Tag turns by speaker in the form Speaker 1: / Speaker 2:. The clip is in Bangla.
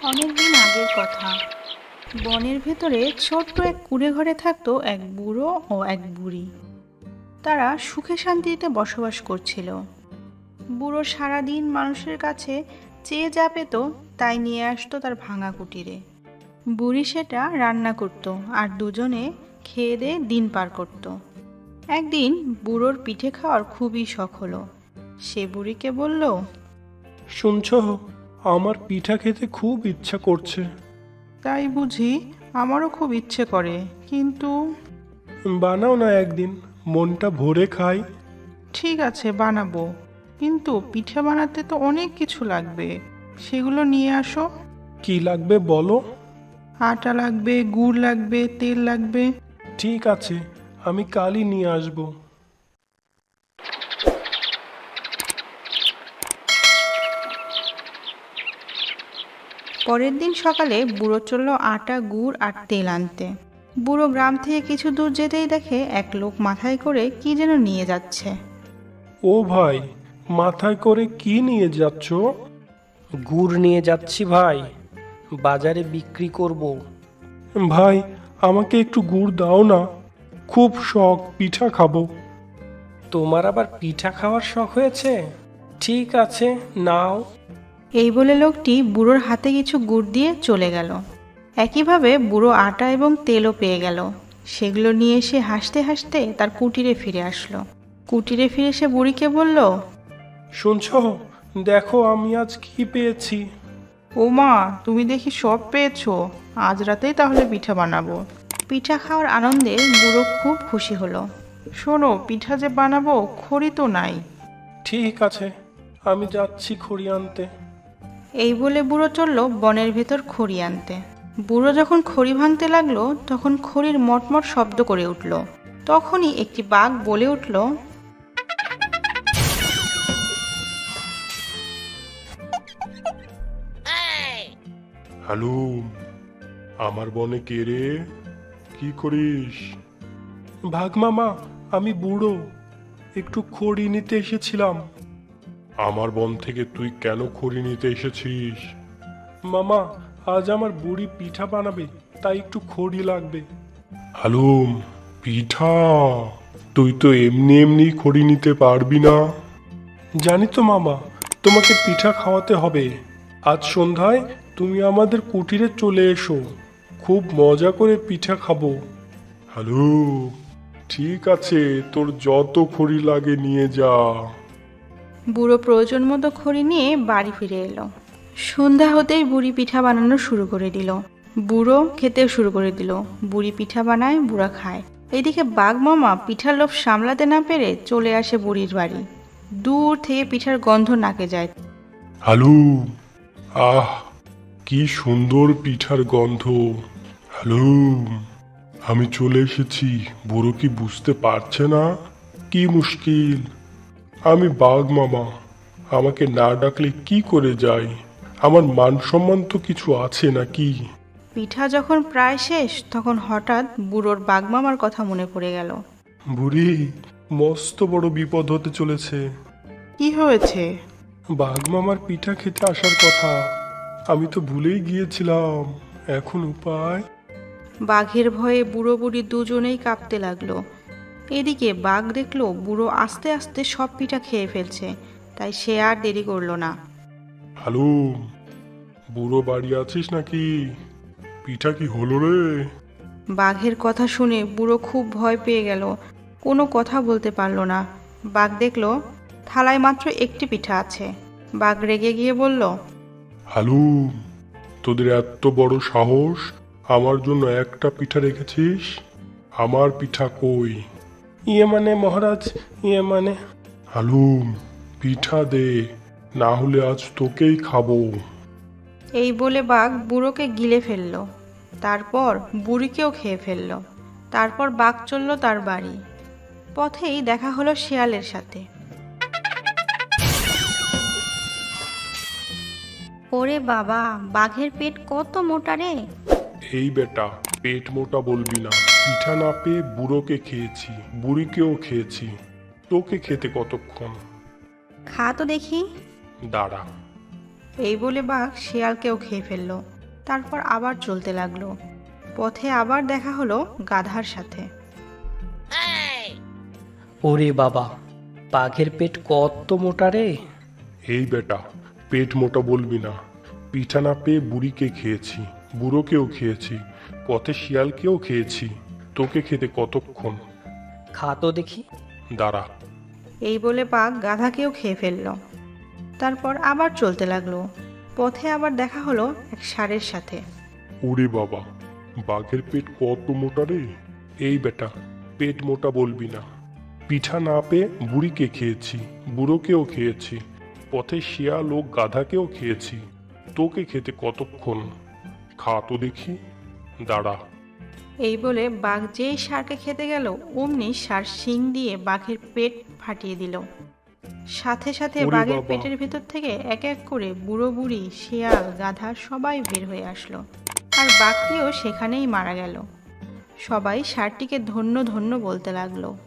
Speaker 1: অনেকদিন আগের কথা। বনের ভেতরে ছোট্ট এক কুঁড়ে ঘরে থাকতো এক বুড়ো ও এক বুড়ি। তারা সুখে শান্তিতে বসবাস করছিল। বুড়ো সারাদিন মানুষের কাছে চেয়ে যা পেত তাই নিয়ে আসতো তার ভাঙা কুটিরে। বুড়ি সেটা রান্না করত আর দুজনে খেয়ে দিয়ে দিন পার করত। একদিন বুড়োর পিঠে খাওয়ার খুবই শখ হলো। সে বুড়িকে বলল,
Speaker 2: শুনছ, আমার পিঠা খেতে খুব ইচ্ছা করছে।
Speaker 3: তাই বুঝি? আমারও খুব ইচ্ছে করে, কিন্তু
Speaker 2: বানাও না একদিন, মনটা ভরে খাই।
Speaker 3: ঠিক আছে, বানাবো। কিন্তু পিঠে বানাতে তো অনেক কিছু লাগবে, সেগুলো নিয়ে আসো।
Speaker 2: কি লাগবে বলো?
Speaker 3: আটা লাগবে, গুড় লাগবে, তেল লাগবে।
Speaker 2: ঠিক আছে, আমি কালই নিয়ে আসবো।
Speaker 1: পরের দিন সকালে বুড়ো চলল আটা গুড় আর তেল আনতে। বুড়ো গ্রাম থেকে কিছু দূর যেতেই দেখে এক লোক মাথায় করে কি যেন নিয়ে যাচ্ছে।
Speaker 2: ও ভাই, মাথায় করে কি নিয়ে যাচ্ছ?
Speaker 4: গুড় নিয়ে যাচ্ছি ভাই, বাজারে বিক্রি করব।
Speaker 2: ভাই, আমাকে একটু গুড় দাও না, খুব শখ পিঠা খাবো।
Speaker 4: তোমার আবার পিঠা খাওয়ার শখ হয়েছে? ঠিক আছে, নাও।
Speaker 1: এই বলে লোকটি বুড়োর হাতে কিছু গুড় দিয়ে চলে গেল। একইভাবে বুড়ো আটা এবং তেলও পেয়ে গেল। সেগুলো নিয়ে সে হাসতে হাসতে তার কুটিরে ফিরে আসলো। কুটিরে ফিরে সে বুড়িকে বলল,
Speaker 2: শুনছ, দেখো আমি আজ কি পেয়েছি।
Speaker 3: ও মা, তুমি দেখি সব পেয়েছো। আজ রাতেই তাহলে পিঠা বানাবো।
Speaker 1: পিঠা খাওয়ার আনন্দে বুড়ো খুব খুশি হলো।
Speaker 3: শোনো, পিঠা যে বানাবো, খড়ি তো নাই।
Speaker 2: ঠিক আছে, আমি যাচ্ছি খড়ি আনতে।
Speaker 1: এই বলে বুড়ো চলল বনের ভেতর খড়ি আনতে। বুড়ো যখন খড়ি ভাঙতে লাগলো তখন খড়ির মটমট শব্দ করে উঠল। তখনই একটি বাঘ বলে উঠল,
Speaker 2: হ্যালো, আমার বনে কে রে? কি করিস? ভাগ মামা, আমি বুড়ো, একটু খড়ি নিতে এসেছিলাম। আমার বন থেকে তুই কেন খড়ি নিতে এসেছিস? মামা, আজ আমার বুড়ি পিঠা বানাবে, তাই একটু খড়ি লাগবে। হালুম, পিঠা? তুই তো এমনি এমনি খড়ি নিতে পারবি না। জানি তো মামা, তোমাকে পিঠা খাওয়াতে হবে। আজ সন্ধ্যায় তুমি আমাদের কুটিরে চলে এসো, খুব মজা করে পিঠা খাবো। হ্যালো, ঠিক আছে, তোর যত খড়ি লাগে নিয়ে যা।
Speaker 1: বুড়ো প্রয়োজন মতো খড়ি নিয়ে বাড়ি ফিরে এলো। সন্ধ্যা হতেই বুড়ি পিঠা বানানো শুরু করে দিল। বুড়ো খেতেও শুরু করে দিল। বুড়ি পিঠা বানায়, বুড়া খায়। এদিকে বাঘ মামা পিঠার লোভ সামলাতে না পেরে চলে আসে বুড়ির বাড়ি। দূর থেকে পিঠার গন্ধ নাকে যায়।
Speaker 2: হ্যালো, আহ, কি সুন্দর পিঠার গন্ধ। হ্যালো, আমি চলে এসেছি। বুড়ো কি বুঝতে পারছে না? কি মুশকিল, আমি বাঘ মামা, আমাকে না ডাকলে কি করে যাই? আমার মান সম্মান তো কিছু আছে নাকি?
Speaker 1: পিঠা যখন প্রায় শেষ তখন হঠাৎ বুড়োর বাঘ মামার কথা মনে পড়ে গেল।
Speaker 2: বুড়ি, মস্ত বড় বিপদ হতে চলেছে।
Speaker 3: কি হয়েছে?
Speaker 2: বাঘ মামার পিঠা খেতে আসার কথা, আমি তো ভুলেই গিয়েছিলাম। এখন উপায়?
Speaker 1: বাঘের ভয়ে বুড়ো বুড়ি দুজনেই কাঁপতে লাগলো। এদিকে বাঘ দেখলো বুড়ো আস্তে আস্তে সব পিঠা খেয়ে ফেলছে, তাই সে আর দেরি করলো না।
Speaker 2: হ্যালো, বুড়ো বাড়ি আছিস নাকি? পিঠা কি হলো রে?
Speaker 1: বাঘের কথা শুনে বুড়ো খুব ভয় পেয়ে গেল। কোনো কথা বলতে পারলো না। বাঘ দেখলো থালায় মাত্র একটি পিঠা আছে। বাঘ রেগে গিয়ে বলল,
Speaker 2: হ্যালো, তোদের এত বড় সাহস, আমার জন্য একটা পিঠা রেখেছিস? আমার পিঠা কই? ইয়ে মানে মহারাজ, ইয়ে মানে। হ্যালো, পিঠা দে, না হলে আজ তোকেই খাবো।
Speaker 1: এই বলে বাঘ বুড়োকে গিলে ফেললো। তারপর বুড়িকেও খেয়ে ফেললো। তারপর বাঘ চলল তার বাড়ি। পথেই দেখা হলো শেয়ালের সাথে।
Speaker 5: ওরে বাবা, বাঘের পেট কত মোটা রে!
Speaker 2: এই বেটা, পেট মোটা বলবি না। পিঠা না পেয়ে বুড়োকে খেয়েছি, বুড়িকেও খেয়েছি, তোকে খেতে কতক্ষণ?
Speaker 5: খা তো দেখি।
Speaker 2: দাঁড়া।
Speaker 1: এই বলে বাঘ শেয়ালকেও খেয়ে ফেললো। তারপর আবার চলতে লাগলো। পথে আবার দেখা হলো গাধার সাথে।
Speaker 4: ওরে বাবা, বাঘের পেট কত মোটা রে!
Speaker 2: এই বেটা, পেট মোটা বলবি না। পিঠা না পেয়ে বুড়িকে খেয়েছি, বুড়োকেও খেয়েছি, পথে শিয়ালকেও খেয়েছি। তোকে খেতে কতক্ষণ?
Speaker 4: খা তো দেখি।
Speaker 2: দাঁড়া।
Speaker 1: এই বলে বাঘ গাধাকেও খেয়ে ফেলল। তারপর আবার চলতে লাগলো। পথে আবার দেখা হলো এক ষাঁড়ের সাথে।
Speaker 2: ওরে বাবা, বাঘের পেট কত মোটা রে! এই বেটা, পেট মোটা বলবি না। পিঠা না পেয়ে বুড়িকে খেয়েছি, বুড়োকেও খেয়েছি, পথে শিয়াল ও গাধাকেও খেয়েছি। তোকে খেতে কতক্ষণ? খা তো দেখি। দাঁড়া।
Speaker 1: এই বলে বাঘ যেই ষাঁড়কে খেতে গেল, অমনি ষাঁড় শিং দিয়ে বাঘের পেট ফাটিয়ে দিল। সাথে সাথে
Speaker 2: ওরে
Speaker 1: বাঘের
Speaker 2: বাবা!
Speaker 1: পেটের ভেতর থেকে এক এক করে বুড়ো বুড়ি, শিয়াল, গাধা সবাই বের হয়ে আসলো। আর বাঘটিও সেখানেই মারা গেল। সবাই ষাঁড়টিকে ধন্য ধন্য বলতে লাগলো।